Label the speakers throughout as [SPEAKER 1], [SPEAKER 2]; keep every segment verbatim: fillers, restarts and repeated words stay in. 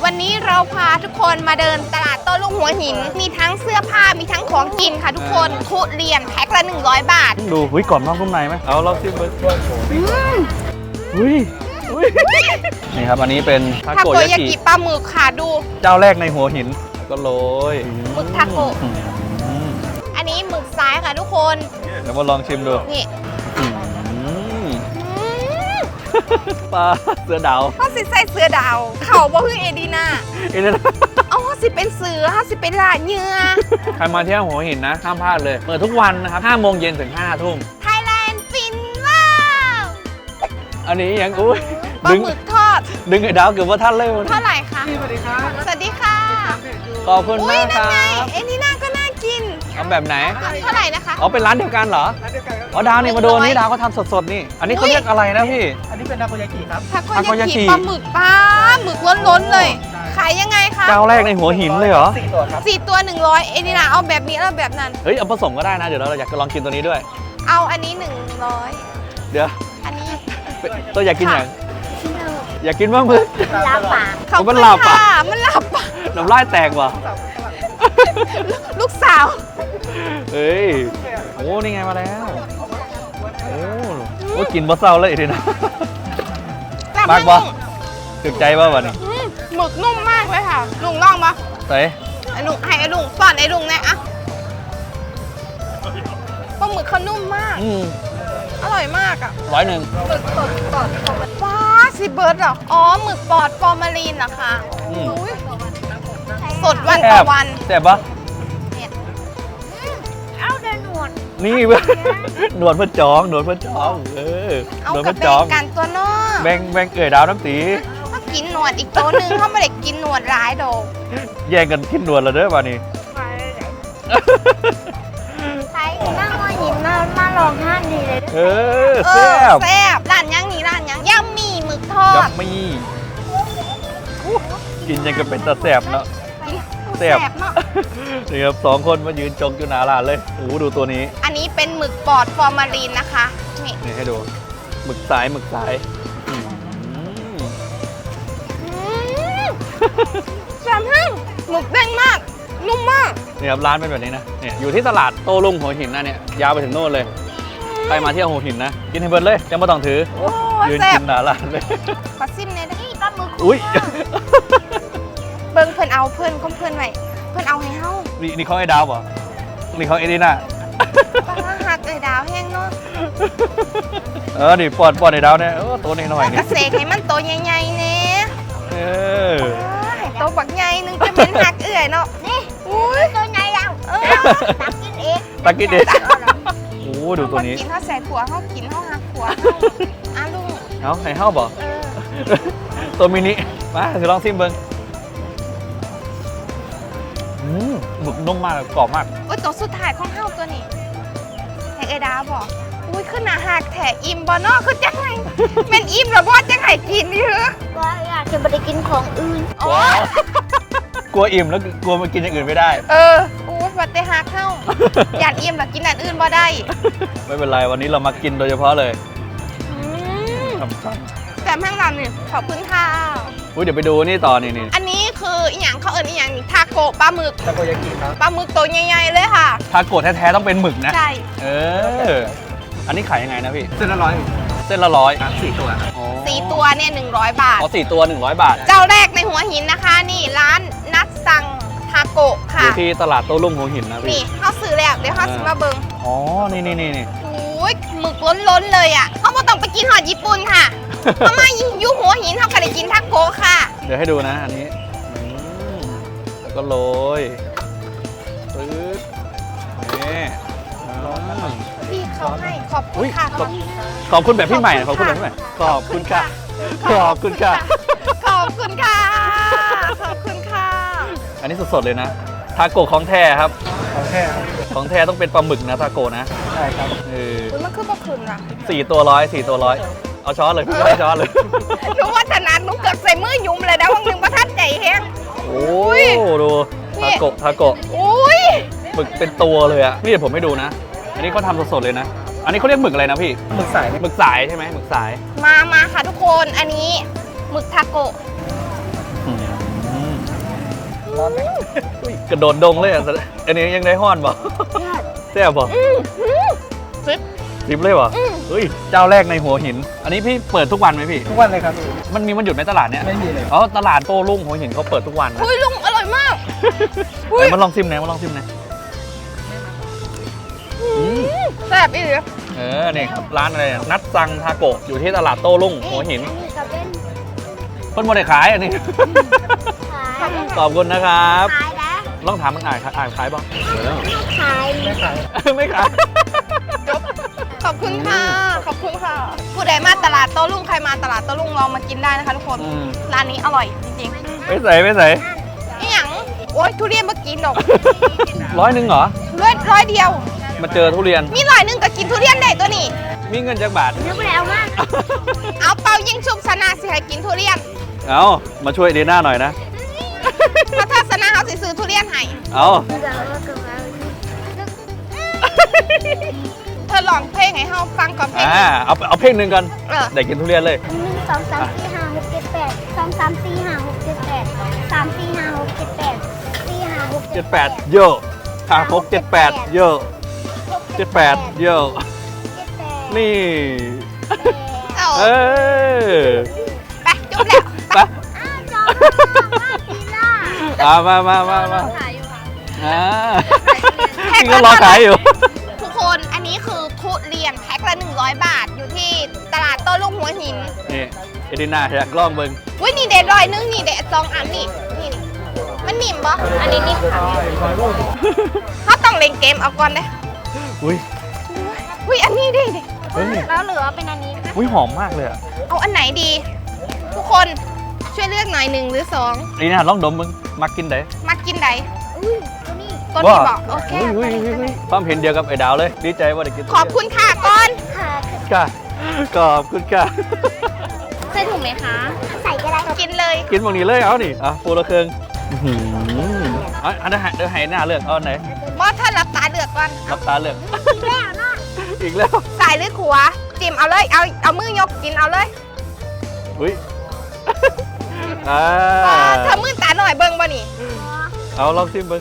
[SPEAKER 1] วันนี้เราพาทุกคนมาเดินตลาดโต้รุ่งหัวหินมีทั้งเสื้อผ้ามีทั้งของกินค่ะทุกคนทุเรียนแพ็คละหนึ่งร้อยบาท
[SPEAKER 2] ดูหุ้ยก่อนนอกนุ่มในไหมเอาเราซิมเบอร์หุ้ยหุ้ยนี่ครับอันนี้เป็นทา
[SPEAKER 1] ทา
[SPEAKER 2] โก
[SPEAKER 1] โก
[SPEAKER 2] ยาย
[SPEAKER 1] า
[SPEAKER 2] กิ
[SPEAKER 1] กิปลาหมึกค่ะดู
[SPEAKER 2] เจ้าแรกในหัวหินก็โรย
[SPEAKER 1] หมึกทาโกะอันนี้หมึกซ้ายค่ะทุกคน
[SPEAKER 2] เดี๋ยวมาลองชิมดู
[SPEAKER 1] นี่
[SPEAKER 2] ปลาเสือดาว
[SPEAKER 1] เขาสิใส่เสือดาวเขาบอกคือเอดีน่า
[SPEAKER 2] เอดีน่า
[SPEAKER 1] เอาเขาสิเป็นเสือเขาสิเป็นลาเนื้อ
[SPEAKER 2] ใครมาเที่ยวหัวหินนะห้ามพลาดเลยเปิดทุกวันนะครับห้าโมงเย็นถึงห้าทุ่ม
[SPEAKER 1] ไทยแลนด์ฟินว้าว
[SPEAKER 2] อันนี้ยังอุ้ย
[SPEAKER 1] ปลาหมึกทอด
[SPEAKER 2] ดึงไอ้ดาวเกือบว่าท่านเลย
[SPEAKER 1] เท่าไหร่คะ
[SPEAKER 3] สวัสดีครับ
[SPEAKER 1] สวัสดีค่ะ
[SPEAKER 2] ขอบคุณมากครับ
[SPEAKER 1] เอ็นี่น่าก็น่ากิน
[SPEAKER 2] เอาแบบไหน
[SPEAKER 1] เท่าไหร่นะคะ
[SPEAKER 2] อ๋อเป็นร้านเดียวกันเหรอ
[SPEAKER 3] ร้านเดียวกันครับ
[SPEAKER 2] อ๋อดาวนี่มาดูนี่ดาวเขาทำสดๆนี่อันนี้เขาเรียกอะไรนะพี่
[SPEAKER 3] อันนี้เป็นทาโกยากิครับ
[SPEAKER 1] ทาโกยากิปลาหมึกปลาหมึกล้นๆเลยขายยังไงคะ
[SPEAKER 2] เจ้าแรกในหัวหินเลยเหรอ
[SPEAKER 3] สี่ตัวครับ
[SPEAKER 1] สี่ตัวหนึ่งร้อยเอ็นี่น่าเอาแบบนี้แล้วแบบนั้น
[SPEAKER 2] เฮ้ยเอาผสมก็ได้นะเดี๋ยวเราอยากจะลองกินตัวนี้ด้วย
[SPEAKER 1] เอาอันนี้หนึ่งร้อย
[SPEAKER 2] เดี๋ยว
[SPEAKER 1] อันนี้
[SPEAKER 2] ตัวอยากกินอย่างอยากกินบ้างมึง
[SPEAKER 1] ลาบปาก
[SPEAKER 2] เขามันลาบปาก
[SPEAKER 1] มันลาบปาก
[SPEAKER 2] น้ำลายแตกว่ะ
[SPEAKER 1] ลูกสาว
[SPEAKER 2] เฮ้ยโอ้นี่ไงมาแล้วโอ้โหกินบะเศร้าเลยทีนะมากปะถึกใจปะวะนี่
[SPEAKER 1] หมึกนุ่มมากเลยค่ะลุงลองปะ
[SPEAKER 2] เฮ้ย
[SPEAKER 1] ไอ้ลุงให้ไอ้ลุงป้อนไอ้ลุงเนี่ยอะปลาหมึกเขานุ่มมากอร่อยมากอ่ะ
[SPEAKER 2] ร้อยหนึ่ง
[SPEAKER 1] หมึกสดปลอดฟ้าซีเบิร์ดเหรออ๋อหมึกปลอดฟอร์มาลีนเหรอคะสดวันต่อวัน
[SPEAKER 2] แซ่บปะ
[SPEAKER 1] เอาเดินหนวด
[SPEAKER 2] นี่เว้ยหนวดเพื่อจองหนวดเพื่อจองเออ
[SPEAKER 1] เอากับแบ่งกันตัวนอก
[SPEAKER 2] แบ่งแบ่งเอ๋ยดาวน้ำตี
[SPEAKER 1] เขากินหนวดอีกตัวหนึ่งเขาไม่ได้กินหนวดร้ายโด
[SPEAKER 2] แย่งกันกินหนวดแล้วเด้อป่ะนี่
[SPEAKER 1] ใช่นั่งมาหินมามาลองห้านดีเลย
[SPEAKER 2] เออแซ่บ
[SPEAKER 1] แซ่บร้านยังนี่ร้านยังย่ำมีหมึกทอด
[SPEAKER 2] ย่ำมีกินยังก็เป็นตาแซ่บเนาะ
[SPEAKER 1] แซ่บเนาะ
[SPEAKER 2] นี่ครับสองคนมายืนจงอยู่หน้าร้านเลยโอ้โหดูตัวนี้
[SPEAKER 1] อันนี้เป็นหมึกปอดฟอร์มาลีนนะคะนี่
[SPEAKER 2] นี่ให้ดูหมึกสายหมึกสาย
[SPEAKER 1] แซ่บมากหมึกเด้งมากนุ่มมาก
[SPEAKER 2] นี่ครับร้านเป็นแบบนี้นะเนี่ยอยู่ที่ตลาดโต้รุ่งหัวหินนะเนี่ยยาวไปถึงโน่นเลยใครมาเที่ยวหัวหินนะกินให้เบิร์ดเลยยังไม่ต้องถือยืนกินหน้าร้านเลย
[SPEAKER 1] ขอซิมเนี่ยนี่ปลาหมึก
[SPEAKER 2] อุ้ย
[SPEAKER 1] เบิ้งเพื่อนเอาเพื่อนก็เพื่อนใหม่เพื่อนเอาให้เฮา
[SPEAKER 2] นี่นี่เขาไอ้ดาวป่ะนี่เขาไอ้นี่น่ะ
[SPEAKER 1] ปลาหักไอ้ดาวแห้งเนาะ
[SPEAKER 2] เออนี่ปอดปอดไอ้ดาวเนี่ยเออตัวนี้หน่อยนี่
[SPEAKER 1] กระเสกให้มันโตใหญ่ๆเนี่ย
[SPEAKER 2] เออ
[SPEAKER 1] โตบักใหญ่นึงจะเป็นหักเอื่อยเนาะนี่อุ้ยตัวใหญ่แล้วเออตักกินเอง
[SPEAKER 2] ตักกินเองโอ้ดูตัวนี้
[SPEAKER 1] กินเขาใส่ขัวเขากินเขาหักขัวอ่ะลุง
[SPEAKER 2] เอาให้เฮาบ่ตัวมินิมาถือลองซิมเบิ้งหมึกนุ่มมากกรอบมาก
[SPEAKER 1] โอ้ยตัวสุดท้ายของเฮาตัวนี้ไอ้เอดาบอกอุ้ยขึ้นอาหารแถอิ่มบ่เนาะคือจังไงเป็นอิ่มหรือบ่จังไงกินนี่เหรอ
[SPEAKER 4] ว่าอยากจะไปกินของอื่น
[SPEAKER 1] โอ้
[SPEAKER 2] กลัวอิ่มแล้วกลัวมากินอย่างอื่นไม่ได้
[SPEAKER 1] เอออู้วัดแต่หักเข้าอยากอิ่มแล้วกินอันอื่นบ่ได้
[SPEAKER 2] ไม่เป็นไรวันนี้เรามากินโดยเฉพาะเลย
[SPEAKER 1] แต่แม่งลำนี่ขอบคุณค่ะ
[SPEAKER 2] อุ้ยเดี๋ยวไปดูนี่ต่อนี่นี่
[SPEAKER 1] อันนี้คืออีหยังเขาเอิญอีหยังทาโกะปลาหมึก
[SPEAKER 3] ทาโกยากิครับ
[SPEAKER 1] ปลาหมึกตัวใหญ่ๆเลยค่ะ
[SPEAKER 2] ทาโกะแท้ๆต้องเป็นหมึกนะ
[SPEAKER 1] ใช่
[SPEAKER 2] เอออันนี้ขายยังไงนะพี่
[SPEAKER 3] เส้นละร้อย
[SPEAKER 2] เส้นละร้อย
[SPEAKER 3] สี่ตัว
[SPEAKER 1] สี่ตัวเนี่ยหนึ่งร้อยบาท
[SPEAKER 2] อ๋อสี่ตัวหนึ่งร้อยบาท
[SPEAKER 1] เจ้าแรกในหัวหินนะคะนี่ร้านนัดซังทาโกะค่ะ
[SPEAKER 2] อยู่ที่ตลาดโต้รุ่งหัวหินนะพี่
[SPEAKER 1] นี่เขาซื้อแล้วเดี๋ยวเขาซื้อมาเบิ้ง
[SPEAKER 2] อ๋อนี่นี่นี่นี่
[SPEAKER 1] โอ้ยหมึกล้นๆเลยอ่ะเขาไม่ต้องไปกินหอดญี่ปุ่นค่ะเขามาอยู่หัวหินเขาก็ได้กินทาโกะค่ะ
[SPEAKER 2] เดี๋ยวให้ดูนะอันนี้แล้วก็โรยปึ๊บนี่
[SPEAKER 1] พี่เขาให้ขอบคุณค่ะ
[SPEAKER 2] ขอบคุณแบบพี่ใหม่ขอบคุณแบบพี่ใหม่ขอบคุณค่ะขอบคุณค่ะ
[SPEAKER 1] ขอบคุณค่ะขอบคุณค่ะ
[SPEAKER 2] อันนี้สดๆเลยนะทาโกะของแท้ครับ
[SPEAKER 3] ของแท้
[SPEAKER 2] ของแท้ต้องเป็นปลาหมึกนะทาโกะนะ
[SPEAKER 3] ใช่ครับ
[SPEAKER 2] เออ
[SPEAKER 1] มันคือปลาคืนอะ
[SPEAKER 2] สี่ตัวร้อยสี่ตัวร้อยเอาช้อนเลยไม่ช้อนเลย
[SPEAKER 1] หนูว่าถนัดหนูเกิดใส่มือยุ่มเลยนะวันหนึ่งประทัดใจแห้ง
[SPEAKER 2] โอ้ยดูทาโกะทาโกะ
[SPEAKER 1] อุ้ย
[SPEAKER 2] หมึกเป็นตัวเลยอะนี่เดี๋ยวผมให้ดูนะอันนี้เขาทำสดๆเลยนะอันนี้เขาเรียกหมึกอะไรนะพี่
[SPEAKER 3] หมึกสาย
[SPEAKER 2] หมึกสายใช่ไหมหมึกสาย
[SPEAKER 1] มามาค่ะทุกคนอันนี้หมึกทาโกะ
[SPEAKER 2] อุ้ยกระโดดดงเลยอ่ะอันนี้ยังได้ห้อนบ่แซ่บบ่
[SPEAKER 1] ซิป
[SPEAKER 2] ทิปเลยบ่เฮ้ยเจ้าแรกในหัวหิน อันนี้พี่เปิดทุกวันไหมพี่
[SPEAKER 3] ทุกวันเลยครับ
[SPEAKER 2] มันมีมันหยุดในตลาดเนี้ย
[SPEAKER 3] ไม่มีเลย
[SPEAKER 2] อ๋อตลาดโต้รุ่งหัวหินเขาเปิดทุกวันนะ
[SPEAKER 1] อุ้ยลุงอร่อยมาก
[SPEAKER 2] ไหนมาลองซิมหน่อยมาลองซิมหน่อยอืม
[SPEAKER 1] แซ่บอีหลี
[SPEAKER 2] เออนี่ครับร้านอะไรอ่ะนัดซังทาโกะอยู่ที่ตลาดโต้รุ่งหัวหิน
[SPEAKER 4] อันนี้ก็เป็น
[SPEAKER 2] เพิ่นบ่ได้ขายอันนี้
[SPEAKER 4] ขาย
[SPEAKER 2] ขอบคุณนะครับ
[SPEAKER 4] ขายแล้ว
[SPEAKER 2] ลองถามมันอ่านอ่านขายบ้าง
[SPEAKER 4] ขาย
[SPEAKER 3] ไม่ขาย
[SPEAKER 2] ไม่ขาย
[SPEAKER 1] ขอบคุณค่ะ ขอบคุณค่ะ ผู้ใดมาตลาดโต้รุ่งใครมาตลาดโต้รุ่งลองมากินได้นะคะทุกคน
[SPEAKER 2] อืม
[SPEAKER 1] ร้านนี้อร่อยจริง
[SPEAKER 2] ไม่ใส่ไม่ใส่
[SPEAKER 1] ๆนี่หยังโอ๊ยทุเรียนมากินดอก
[SPEAKER 2] ร้อยหนึ่งเหรอ
[SPEAKER 1] ร้อยร้อยเดียว
[SPEAKER 2] มาเจอทุเรียน
[SPEAKER 1] มีร้อยหนึ่งก็กินทุเรียนได้ตัวนี้
[SPEAKER 2] มีเงินจักบาท
[SPEAKER 4] นึกไปแล้วมาก
[SPEAKER 1] เอาเปายิงชุบชนะสิให้กินทุเรียน
[SPEAKER 2] เอามาช่วยดีน่าหน่อยนะ
[SPEAKER 1] ถ้าถ้าชนะเขาสิซื้อทุเรียนให้
[SPEAKER 2] เอา
[SPEAKER 4] เดี๋ยวเราก็มา
[SPEAKER 1] เธอลองเพลงให้เขาฟังก่อนเพลง
[SPEAKER 2] อ่าเอาเอาเพลงหนึ่งกัน
[SPEAKER 1] เออ
[SPEAKER 2] ได้กินทุเรียนเลย
[SPEAKER 4] หนึ่งสองสามสี่ห้าหกเจ็ดแปดสองสามสี่ห้าหกเจ็ดแปดสามสี่ห้าหกเจ็ดแปดสี่ห้าหก
[SPEAKER 2] เจ็ดแปดเยอะห้าหกเจ็ดแปดเยอะเจ็ดแปดเยอะ
[SPEAKER 4] เจ็ดแปด
[SPEAKER 2] นี่
[SPEAKER 1] เอา
[SPEAKER 2] เออ
[SPEAKER 1] ไปจุ๊บแล้ว
[SPEAKER 2] ไป
[SPEAKER 4] อ้าวจอมมาปีล่า
[SPEAKER 2] อ่ามามามามา
[SPEAKER 4] ขายอยู่ค่ะ
[SPEAKER 2] อ่า
[SPEAKER 1] แพ็ค
[SPEAKER 2] นี่
[SPEAKER 1] ละ
[SPEAKER 2] ก็รอขายอยู่
[SPEAKER 1] ทุกคนอันนี้คือทุเรียนแพ็คละหนึ่งร้อยบาทอยู่ที่ตลาดโต้รุ่งหัวหิน
[SPEAKER 2] นี่เอดิน่าอยากลองเบิ่ง
[SPEAKER 1] อุ้ยนี่เด็ดร้อยนึงนี่เด็ดสองอันนี่นี่นี่มันนิ่มปะอันนี้นิ่มค่ะเขาต้องเล่นเกมเอาก่อนเลย
[SPEAKER 2] อุ้ย
[SPEAKER 1] อุ้ยอันนี้ดิดิ
[SPEAKER 2] เฮ้ย
[SPEAKER 4] แล้วเหลือเป็นอันนี้ค่ะ
[SPEAKER 2] อุ้ยหอมมากเลยอ่ะ
[SPEAKER 1] เอาอันไหนดี ทุกคนช่วยเลือกหน่อยหนึ่งหรือสอง
[SPEAKER 2] เอดิน่าลองดมมึงมักกินได้
[SPEAKER 1] มากินใด
[SPEAKER 4] อุ้ยตัวนี้
[SPEAKER 1] ตัวนี้บอกโอเค
[SPEAKER 2] อุ้ยอุ้ยอุ้ยอุ้ยความเห็นเดียวกับไอ้ดาวเลย ดีใจว่าได้กิน
[SPEAKER 1] ขอบคุณค่ะก่อน
[SPEAKER 4] ค่ะ
[SPEAKER 2] ค่ะขอบคุณค่ะ
[SPEAKER 1] ใส่ถุงไหมคะ
[SPEAKER 4] ใส่ก็ได้
[SPEAKER 1] กินเลย
[SPEAKER 2] กินบางนี้เลยเอานี่อ่ะปูละเครื่องอื้อหือเอาอันนั้นให้เดี๋ยวให้หน้าเลือกเอาอันไหน
[SPEAKER 1] บอสท่านรับตาเลือกก่อน
[SPEAKER 2] รับตาเลือก
[SPEAKER 4] แล้วเนาะ
[SPEAKER 2] อีกแล้ว
[SPEAKER 1] สายหรือขวาจิ้มเอาเลยเอาเอามือยกกินเอาเลย
[SPEAKER 2] อุ้ยอ่า
[SPEAKER 1] อ่าเธอมือตาหน่อยเบิ่งบ่นี่
[SPEAKER 2] เอาลองชิมเบิ้ง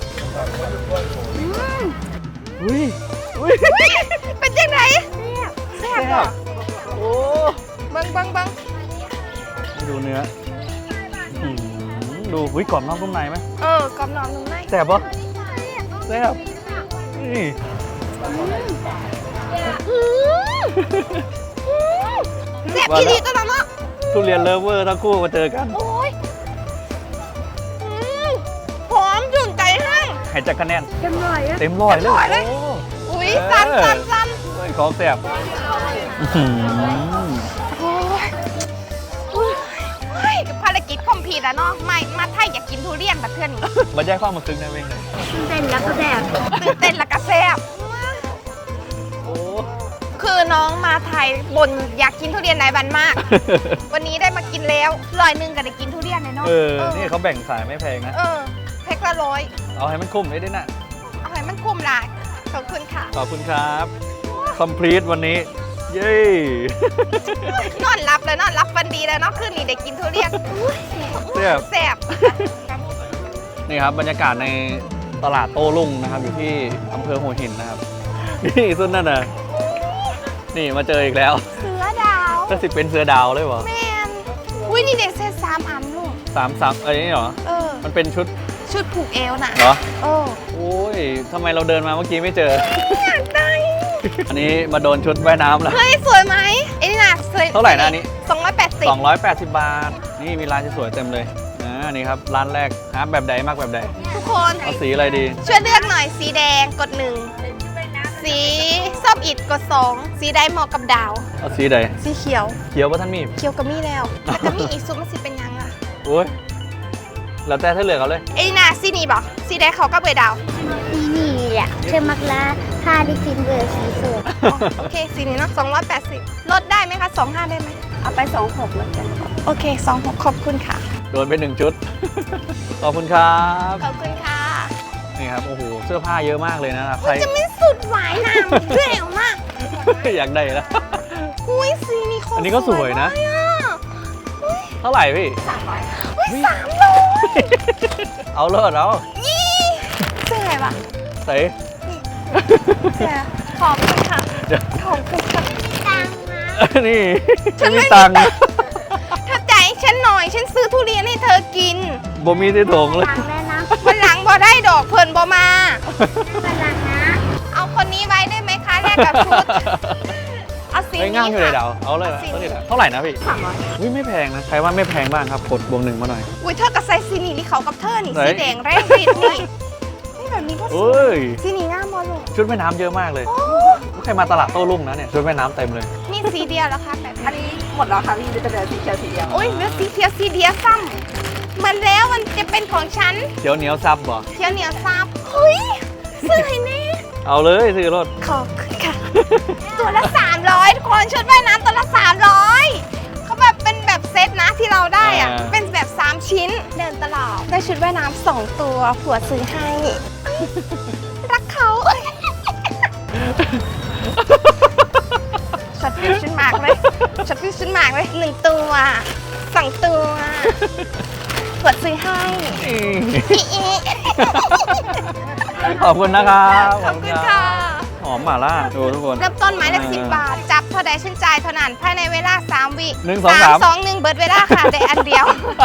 [SPEAKER 2] อุ้ยอุ้ย
[SPEAKER 1] เป็นยังไงแซ่บบ่
[SPEAKER 2] โอ้
[SPEAKER 1] เบิ่งเบิ่งเบิ่ง
[SPEAKER 2] ดูเนื้ออื้อหือดูอุ้ยกรอบนอกนุ่มในไหม
[SPEAKER 1] เออกรอบนอกนุ่มใน
[SPEAKER 2] แซ่บปะแซ่บนี่
[SPEAKER 1] อืมอืมแซ่บอีหลีตัวนั้นเนาะ
[SPEAKER 2] ทุเรียนเลิฟเวอร์ทั้งคู่มาเจอกัน
[SPEAKER 1] โอ้ยอืมหอมจุ่นใจห้าง
[SPEAKER 2] ให้จักคะแนน
[SPEAKER 4] จำหน่อยอะ
[SPEAKER 2] เต็มร้อยเลย
[SPEAKER 1] เต็มร้อยเลย
[SPEAKER 2] โอ้
[SPEAKER 1] อุ้ยซ้ำซ้ำซ้
[SPEAKER 2] เฮ้ยของแซ่บอื้อหือ
[SPEAKER 1] ำโอ้ยอุ้ยเฮ้ยภารกิจคอมพลีทแล้วเนาะไม่มาไทยอยากกินทุเรียนแบบเพื่อนนี่
[SPEAKER 2] มาแยกความมาซึ้งได้เว้ยเลย
[SPEAKER 4] เป็นแล้วก็แบบ
[SPEAKER 1] ตื่นเต้นและก็แซ่บ
[SPEAKER 2] โอ้
[SPEAKER 1] คือน้องมาไทยบนอยากกินทุเรียนไหนบันมาก วันนี้ได้มากินแล้วร้อยหนึ่งก็ได้กินทุเรียนเลยเนาะ
[SPEAKER 2] เออ นี่เขาแบ่งสายไม่แพงนะ
[SPEAKER 1] เออแพ็คละร้อย
[SPEAKER 2] เอาให้มันคุ้มได้ด้วยนะ
[SPEAKER 1] เอาให้มันคุ้มหลายขอบคุณค่ะ
[SPEAKER 2] ขอบคุณครับ complete วันนี้ เย้
[SPEAKER 1] นอนรับเลยนอนรับวันดีเลยเนาะคืนนี้ได้กินทุเรียน
[SPEAKER 2] แซ่บ
[SPEAKER 1] แซ่บ
[SPEAKER 2] นี่ครับบรรยากาศในตลาดโต้รุ่งนะครับ อยู่ที่อำเภอหัวหินนะครับ นี่สุดนั่นน่ะ นี่มาเจออีกแล้ว
[SPEAKER 1] เสือดาว
[SPEAKER 2] ก็สิเป็นเสือดาวเลยวะ
[SPEAKER 1] แมนอุ้ยนี่เด็กเซตสามอันลูก
[SPEAKER 2] สามสามเอ้ยนี่เหรอ
[SPEAKER 1] เออ
[SPEAKER 2] มันเป็นชุด
[SPEAKER 1] ชุดผูกเอวน่ะ
[SPEAKER 2] เหรอ
[SPEAKER 1] โอ้
[SPEAKER 2] โอ้ยทำไมเราเดินมาเมื่อกี้ไม่เจอ
[SPEAKER 1] อยากได้
[SPEAKER 2] อันนี้มาโดนชุดว่ายน้ำแล้ว
[SPEAKER 1] เฮ้ยสวยไหมไอ้นี่น่ะสวย
[SPEAKER 2] เท่าไหร่นะอันนี้
[SPEAKER 1] สองร้อยแปดสิบ
[SPEAKER 2] สองร้อยแปดสิบบาท นี่มีร้านสวยๆเต็มเลยอ่านี่ครับร้านแรกฮาร์ปแบบใดมากแบบใด
[SPEAKER 1] ทุกคน
[SPEAKER 2] เอาสีอะไรดี
[SPEAKER 1] ช่วยเลือกหน่อยสีแดงกดหนึ่งสีส้มอิดกดสองสีใดเหมาะกับดาว
[SPEAKER 2] เอาสีใด
[SPEAKER 1] สีเขียว
[SPEAKER 2] เขียวป่ะท่านมี
[SPEAKER 1] เขียวก็มีแล้วแล้วก็มีอีกซุปมันสิเป็นยังอ่ะ
[SPEAKER 2] โอ้ยแล้วแต่ถ้าเหลือกเอาเลย
[SPEAKER 1] ไอ้นี่น่ะสีนี้บอกสีแดงเขาก็เบยดาว
[SPEAKER 4] นี่นี่แหละเชื่อมักลาถ้าได้กินเบอร์สีสด
[SPEAKER 1] อ๋อโอเคสีนี้เนาะสองร้อยแปดสิบลดได้ไหมคะสองห้าได้ไหมเอาไปสองหกแล้วกันโอเคสองหกขอบคุณค่ะ
[SPEAKER 2] โดนไปหนึ่งชุด ขอบคุณครับ
[SPEAKER 1] ขอบคุณค่ะ
[SPEAKER 2] นี่ครับ โอ้โห เสื้อผ้าเยอะมากเลยนะครับ ใค
[SPEAKER 1] มั
[SPEAKER 2] ร
[SPEAKER 1] นจะไม่สุดหวายน้ำเร็วมาก
[SPEAKER 2] อยากได้แล้ว
[SPEAKER 1] อุ้ยสีนี้โคตร
[SPEAKER 2] อันนี้ก็สวยนะ
[SPEAKER 1] มากอ
[SPEAKER 2] เท่าไหร่พี่
[SPEAKER 1] อุ้ยสามร้อย
[SPEAKER 2] เอาเลิศแล้ว
[SPEAKER 1] ยี่เสื้ออะไรวะ
[SPEAKER 2] ใส่
[SPEAKER 1] เสื้อขอบคุณค่ะ
[SPEAKER 2] เดี๋ยว
[SPEAKER 1] ขอบคุณค่ะ
[SPEAKER 4] ตังค์นะ
[SPEAKER 2] นี่
[SPEAKER 1] ฉันไม่
[SPEAKER 2] มี
[SPEAKER 1] มี
[SPEAKER 2] ตั
[SPEAKER 1] ตั
[SPEAKER 2] ง
[SPEAKER 1] ง
[SPEAKER 2] ค์
[SPEAKER 1] ค์ถ้าใจฉันหน่อย ฉันซื้อทุเรียนให้เธอกิน
[SPEAKER 2] บ่มีที่ถงเลย
[SPEAKER 4] ตังค์แล้วนะ
[SPEAKER 1] วันหลังบ่ได้ดอกเพิ่นบ่มา
[SPEAKER 4] ตังค์นะ
[SPEAKER 1] เอาคนนี้ไว้ได้ไหมคะแลกกับชุด เอาสี
[SPEAKER 2] ไม่
[SPEAKER 1] นี้
[SPEAKER 2] ง่ายอยู่เลย
[SPEAKER 1] ค่ะ
[SPEAKER 2] เดาเอาเลยนะ
[SPEAKER 1] สีนี้
[SPEAKER 2] เอาเลยนะเท่าไหร่นะพี่
[SPEAKER 1] สามร้อย
[SPEAKER 2] อุ้ยไม่แพงนะ ใครว่าไม่แพงบ้างครับ กดบวกหนึ่งมาหน่อย
[SPEAKER 1] อุ้ยเธอกับไซสีนี้นี่เขากับเธอนี่
[SPEAKER 2] ไหน
[SPEAKER 1] สีแดงแรงฤทธิ์นี่นี่แบบนี้ก็สวย
[SPEAKER 2] เอ้ย
[SPEAKER 1] สีนี้งามบ่ลูก
[SPEAKER 2] ชุดว่ายน้ำเยอะมากเลยใครมาตลาดโต้รุ่งนะเนี่ย ชุดว่ายน้ำเต็มเลย
[SPEAKER 1] นี่สีเดียวแล้วค่ะแบบ
[SPEAKER 3] อันนี้หมดแล้วค่ะพี่จะเหลือสีเขียวสีเดียว
[SPEAKER 1] โอ้ยเหลือสีเขียวสีเดียวซ้ำมันแล้วมันจะเป็นของฉัน
[SPEAKER 2] เขียวเหนียวซับบ่
[SPEAKER 1] เขียวเหนียวซับเฮ้ยซื้อให้แน่
[SPEAKER 2] เอาเลยซื้อรถ
[SPEAKER 1] ขอบคุณค่ะ ตัวละสามร้อยทุกคนชุดว่ายน้ำตัวละสามร้อยเขาแบบเป็นแบบเซตนะที่เราได้อะเป็นแบบสามชิ้นเดินตลาดได้ชุดว่ายน้ำสองตัวผัวซื้อให้ รักเขาช็อตฟิวชั่นมากเลยช็อตฟิวชั่นมากเลยหนึ่งตัวสองตัวผัวซื้อให้ อีอี
[SPEAKER 2] ขอบคุณนะครับ
[SPEAKER 1] ขอบคุณค่ะ
[SPEAKER 2] หอมหม่าล่าดูทุกคน
[SPEAKER 1] เริ่มต้นไม้ละสิบบาท จับเท่าใดชื่นใจเท่านั้นภายในเวลาสามวิ
[SPEAKER 2] หนึ่งสองสาม
[SPEAKER 1] สองหนึ่งเบิดเวลาค่ะได้อันเดียว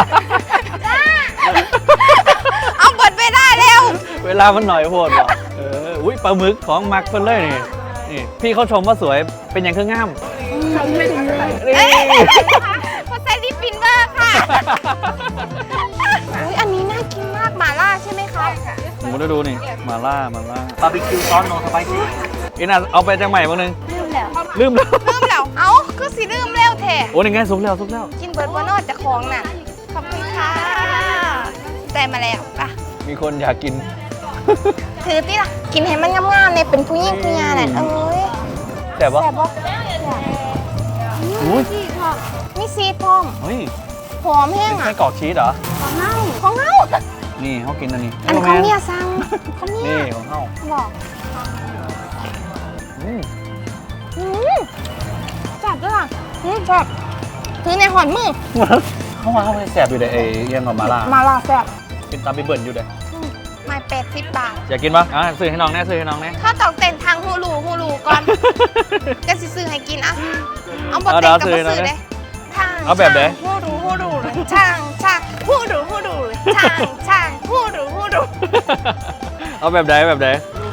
[SPEAKER 1] เอาเบิดเวลาเร็ว
[SPEAKER 2] เวลามันหน่อยโพดบ่เอออุ้ยปลาหมึกของมักเพิ่นเลยนี่นี่พี่เขาชมว่าสวยเป็นอย่างเครื่องง่ามนี่
[SPEAKER 1] เอ้ยพอใส่ลิปฟินเวอร์ค่ะอุ๊ยอันนี้น่ากินมากหม่าล่าใช่ไหมคะ
[SPEAKER 2] หมูได้ดูนี่หม่าล่าหม่าล่า
[SPEAKER 3] บาร์บีคิวซอสโนสไปซี่
[SPEAKER 2] อีน่าเอาไปจังใหม่บ้างนึง
[SPEAKER 4] ลืมแล้ว
[SPEAKER 2] ลืมแล้ว
[SPEAKER 1] ลืมแล้ว เอ้าก็สิลืมเร็วแท้
[SPEAKER 2] โอ้นี่ไงสุกแล้วสุกแล้ว
[SPEAKER 1] กินเบิร์ดวานอดจากของน่ะ ขอบคุณค่ะได้มาแล้วป่ะ
[SPEAKER 2] มีคนอยากกิน
[SPEAKER 1] ถือที่ล่ะ กินให้มันงามๆเนี่ยเป็นผู้หญิงผู้ยาแหละเอ้ย
[SPEAKER 2] แต่ว่า
[SPEAKER 1] แซ่บบ่
[SPEAKER 2] อุ้ย
[SPEAKER 4] พี่ขอบ
[SPEAKER 1] มีซีดพร้อม
[SPEAKER 2] เฮ้ย
[SPEAKER 1] หอมแห้
[SPEAKER 2] เป็
[SPEAKER 1] ง
[SPEAKER 2] น
[SPEAKER 1] อ่ะ
[SPEAKER 2] ไส้กรอกชีสเหรอ
[SPEAKER 4] ของเน่า
[SPEAKER 1] ของเฮา
[SPEAKER 2] นี่เขากินอันนี้
[SPEAKER 1] อันของเมียสั่งของเมี
[SPEAKER 2] นี่
[SPEAKER 1] ย
[SPEAKER 2] ของเขา
[SPEAKER 1] บอก
[SPEAKER 2] อืม
[SPEAKER 1] อืมจับด้วยอ่ะอืมจับถือในหอนมือ
[SPEAKER 2] เขาว่าเขาไปแสบอยู่เลยไอ้เอียงกับมาล่า
[SPEAKER 1] มาล่าแซ่บ
[SPEAKER 2] เป็นตามไปเบิ่นอยู่เลย
[SPEAKER 1] มาเป็ดสิบบาท
[SPEAKER 2] อยากกินปะอ่ะซื้อให้น้องแน่ซื้อให้น้องแน่
[SPEAKER 1] ถ้าตอกเต้นทางฮูลูฮูลูก่อน จะสิซื้อให้กินอ่ะ เอาบอ
[SPEAKER 2] เอา
[SPEAKER 1] เต้น
[SPEAKER 2] เดี๋ยว
[SPEAKER 1] กับ
[SPEAKER 2] ซื้
[SPEAKER 1] บ
[SPEAKER 2] อ
[SPEAKER 1] ซื้อ
[SPEAKER 2] นะ
[SPEAKER 1] เลยทาง
[SPEAKER 2] เอาแบบไหน
[SPEAKER 1] ฮูลูฮูลูเลยช่างช่างฮูลูฮูลูเลยช่างช่างฮูลูฮูลู
[SPEAKER 2] เอาแบบไหนแบบไหน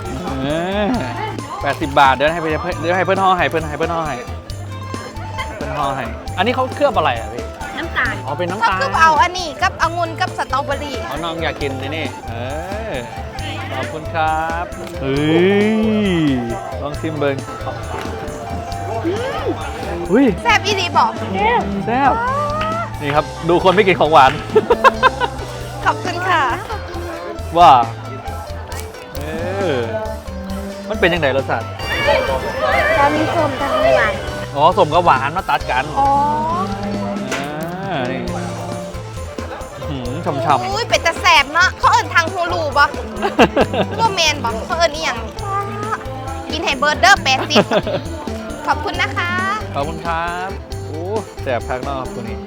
[SPEAKER 2] แปดสิบบาทเดี๋ยวให้เพื่อนเดี๋ยวให้เพื่อนห่อให้เพื่อนให้เพื่อนห่อให้เพื่อนห่อให้อันนี้เขาเคลือบอะไรอ่ะพี่
[SPEAKER 4] น้ำตาล
[SPEAKER 2] อ๋อเป็นน้ำ
[SPEAKER 1] ก็
[SPEAKER 2] ตาล
[SPEAKER 1] คือเอาอันนี้กับองุ่นกับสตรอเบอรี่
[SPEAKER 2] อ๋อน้องอยากกินนี่นี่เออขอบคุณครับเฮ้ยลองชิมเบิ้งอุ้ย
[SPEAKER 1] แซ่บอีดีบอก
[SPEAKER 2] แซ่บนี่ครับดูคนไม่กินของหวาน
[SPEAKER 1] ขอบคุณค่ะ
[SPEAKER 2] ว่าเออมันเป็นยังไงรสชาติ
[SPEAKER 4] จะมีส้มทั้งหวาน
[SPEAKER 2] อ๋อสมกับหวานมาตัดกัน
[SPEAKER 1] อ๋อ
[SPEAKER 2] อ่านี่หืมช่ำ
[SPEAKER 1] อุ้ยเป็ดแต่แสบเนาะเขาเอิ้นทางฮูลูบ่
[SPEAKER 2] ๆ
[SPEAKER 1] ว่าเมนบอกเขาเอิ้นอีหยังกินให้เบิร์ดเดอร์แปดสิบขอบคุณนะคะ
[SPEAKER 2] ขอบคุณครับโอ้แสบพักนอกตัวนี้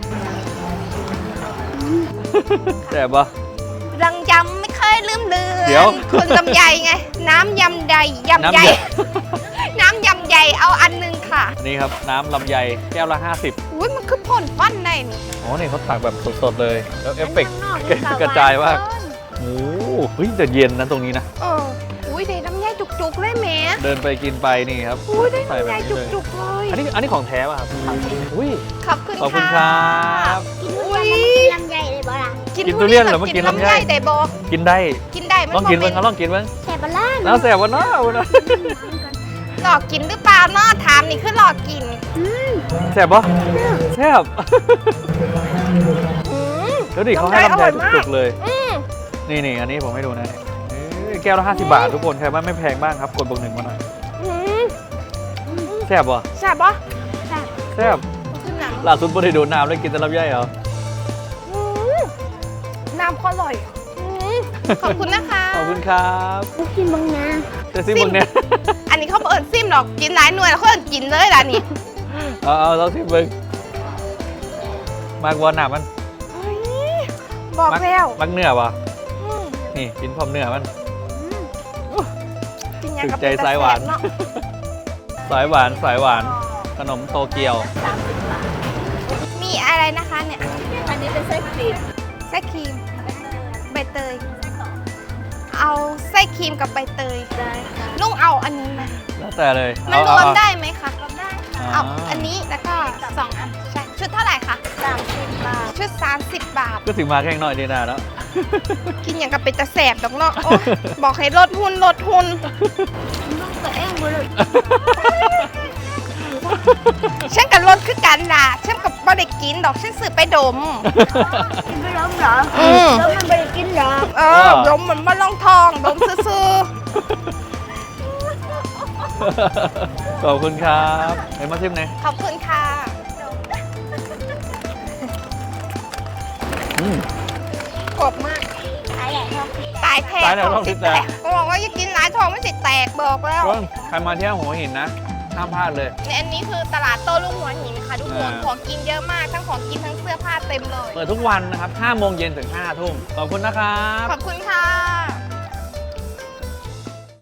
[SPEAKER 2] แสบปะ
[SPEAKER 1] รังยำไม่เคยลืมเลือน
[SPEAKER 2] เดี๋ยว
[SPEAKER 1] คนลำไยไง น้ำยำใดยำใหญ่ น้ำยำใหญ่เอาอันหนึงค่ะ
[SPEAKER 2] อันนี้ครับน้ำลำไยแก้วละห้าสิบ
[SPEAKER 1] อุ้ยมันคือพ่นฟันได้นี่
[SPEAKER 2] อ๋อนี่เขาตักแบบสดๆเลย แล้วเอฟเฟกต์กระจายว่าโอ้เฮ้ยแต่เย็นนะตรงนี้นะ
[SPEAKER 1] เอออุ้ยได้น้ำใหญ่จุกๆเลยแหม่
[SPEAKER 2] เดินไปกินไปนี่ครับ
[SPEAKER 1] อุ้ยได้
[SPEAKER 2] ใส่
[SPEAKER 1] น้ำ
[SPEAKER 2] แบ
[SPEAKER 1] ให
[SPEAKER 2] บ
[SPEAKER 1] ญ่
[SPEAKER 2] นี้เลย
[SPEAKER 1] จุกๆเลย
[SPEAKER 2] อันนี้อันนี้ของแท้ป่ะครับอุ้ย
[SPEAKER 1] ขอบคุณ
[SPEAKER 2] ขอบคุณค
[SPEAKER 1] ค่ะ
[SPEAKER 2] รับ
[SPEAKER 4] กินทุเรียนแล้วมันกินลำไยเลยบ่ล่ะ
[SPEAKER 1] กิน
[SPEAKER 2] กิน
[SPEAKER 1] ทุ
[SPEAKER 2] ทุเรี
[SPEAKER 1] เรี
[SPEAKER 2] ย
[SPEAKER 1] ย
[SPEAKER 2] น
[SPEAKER 1] น
[SPEAKER 2] เหร
[SPEAKER 1] ห
[SPEAKER 2] อ
[SPEAKER 1] รือ
[SPEAKER 2] เมื่อ
[SPEAKER 1] กิ
[SPEAKER 2] กี้
[SPEAKER 1] นลำ
[SPEAKER 2] ลำไย
[SPEAKER 1] ไยได้บอก
[SPEAKER 2] กินได้
[SPEAKER 1] กินได้มัน
[SPEAKER 2] ลองกิน
[SPEAKER 1] บ่
[SPEAKER 2] เบิ้ง
[SPEAKER 1] แม่
[SPEAKER 2] ลองกินเบิ้ง
[SPEAKER 4] แซ่บบ้ล่าน
[SPEAKER 2] แล้วแสบวะเนาะวะเนาะ
[SPEAKER 1] หลอกกินหรือเปล่าเนาะถามนี่คือหลอกกิน
[SPEAKER 2] แสบปะแสบ
[SPEAKER 1] อืม
[SPEAKER 2] เดี๋ยวดิเขาให้ลำไย
[SPEAKER 1] อร่อยมาก
[SPEAKER 2] จุกๆเลย
[SPEAKER 1] อืม
[SPEAKER 2] นี่นี่อันนี้ผมให้ดูนะเอ้ยแก้วละห้าสิบบาททุกคนใครว่าไม่แพงมากครับกดบวกหนึ่งมาหน่อย
[SPEAKER 1] อืม
[SPEAKER 2] แสบปะ
[SPEAKER 1] แซ่บปะ
[SPEAKER 2] แสบ
[SPEAKER 1] ขึ้นหนัง
[SPEAKER 2] ล่าสุดบริโดนน้ำแล้วกินแต่ลำไยเหรอ
[SPEAKER 1] อืมน้ำก็อร่อยอืมขอบคุณนะคะ
[SPEAKER 2] ขอบคุณครับ
[SPEAKER 4] กูกินบางนา
[SPEAKER 2] เจสซี่มึงเนี่ย
[SPEAKER 1] อันนี้เขาเปิดซิมหรอกกินหลายหน่วยแล้วเขาเอิ้นกินเลยล่ะนี่
[SPEAKER 2] เอาเอาลองชิมมึงมากวอนหนามัน
[SPEAKER 1] เฮ้ยบอกแล้ว
[SPEAKER 2] มักเนื้อปะ
[SPEAKER 1] อืม
[SPEAKER 2] นี่กินพร้อมเนื้อมัน
[SPEAKER 1] กินยัง
[SPEAKER 2] ถึ
[SPEAKER 1] กับ
[SPEAKER 2] งใจสายหวาน
[SPEAKER 1] เนาะ
[SPEAKER 2] สายหวานสายหวานขนมโตเกียว
[SPEAKER 1] มีอะไรนะคะเนี่ย
[SPEAKER 3] อันนี้เป็นไส้ครีม
[SPEAKER 1] ไส้ครีมใบเตย เอาไส้ครีมกับใบเตย
[SPEAKER 3] ได้ค่ะ
[SPEAKER 1] ลุงเอาอันนี้ไหม
[SPEAKER 2] แล้วแต่เลย
[SPEAKER 1] มันร
[SPEAKER 2] เอา
[SPEAKER 1] วม
[SPEAKER 2] เอา
[SPEAKER 1] ได้ไหมคะ
[SPEAKER 3] ได้
[SPEAKER 1] เอา
[SPEAKER 2] อ่า
[SPEAKER 1] อันนี้แล้วก็สองอันใช่ชุดเท่าไหร่คะ
[SPEAKER 3] สามสิบบาท
[SPEAKER 1] ชุด 30 บาท
[SPEAKER 2] ก็ถึงมาแค่หน่อยดีนะแล้ว
[SPEAKER 1] กินอย่างกับเป็นตะแสบดอกเนาะโอ๊ยบอกให้ลดหุ้นลดหุ้น
[SPEAKER 4] ลูกตัวเองบุรุษ
[SPEAKER 1] ฉันกับลดคือกันล่ะฉันกับบ่ได้กินดอกฉันซื้อไปดม
[SPEAKER 4] กินไม่ล้มเหรอ
[SPEAKER 1] อืม
[SPEAKER 4] แล้วมันไม่ได้กินเหรอ
[SPEAKER 1] เออดมเหมือนมาลองทองดมซื่อ
[SPEAKER 2] ขอบคุณครับเห็นมาชิมไหนอย
[SPEAKER 1] ๆขอบคุณค่ะ
[SPEAKER 2] อืม
[SPEAKER 1] กรอบมาก
[SPEAKER 4] ขายใหญ่ครับ
[SPEAKER 1] ตายแท้
[SPEAKER 2] ตายแล้ว
[SPEAKER 1] ทองสิ
[SPEAKER 2] ต้อง
[SPEAKER 1] แต
[SPEAKER 2] แต
[SPEAKER 1] ก
[SPEAKER 2] ก
[SPEAKER 1] ก็บอกว่าอย่ากินหลายทองไม่สิแตกบอกแล้ว
[SPEAKER 2] ก็ใครมาเที่ยวหัวหินนะห้ามพลาดเลย
[SPEAKER 1] ในอันนี้คือตลาดโต้รุ่งหัวหินค่ะทุกคน
[SPEAKER 2] อ่า
[SPEAKER 1] ของกินเยอะมากทั้งของกินทั้งเสื้อผ้าเต็มเลย
[SPEAKER 2] เปิดทุกวันนะครับห้าโมงเย็นถึงห้าทุ่มขอบคุณนะครับ
[SPEAKER 1] ขอบคุณค่ะ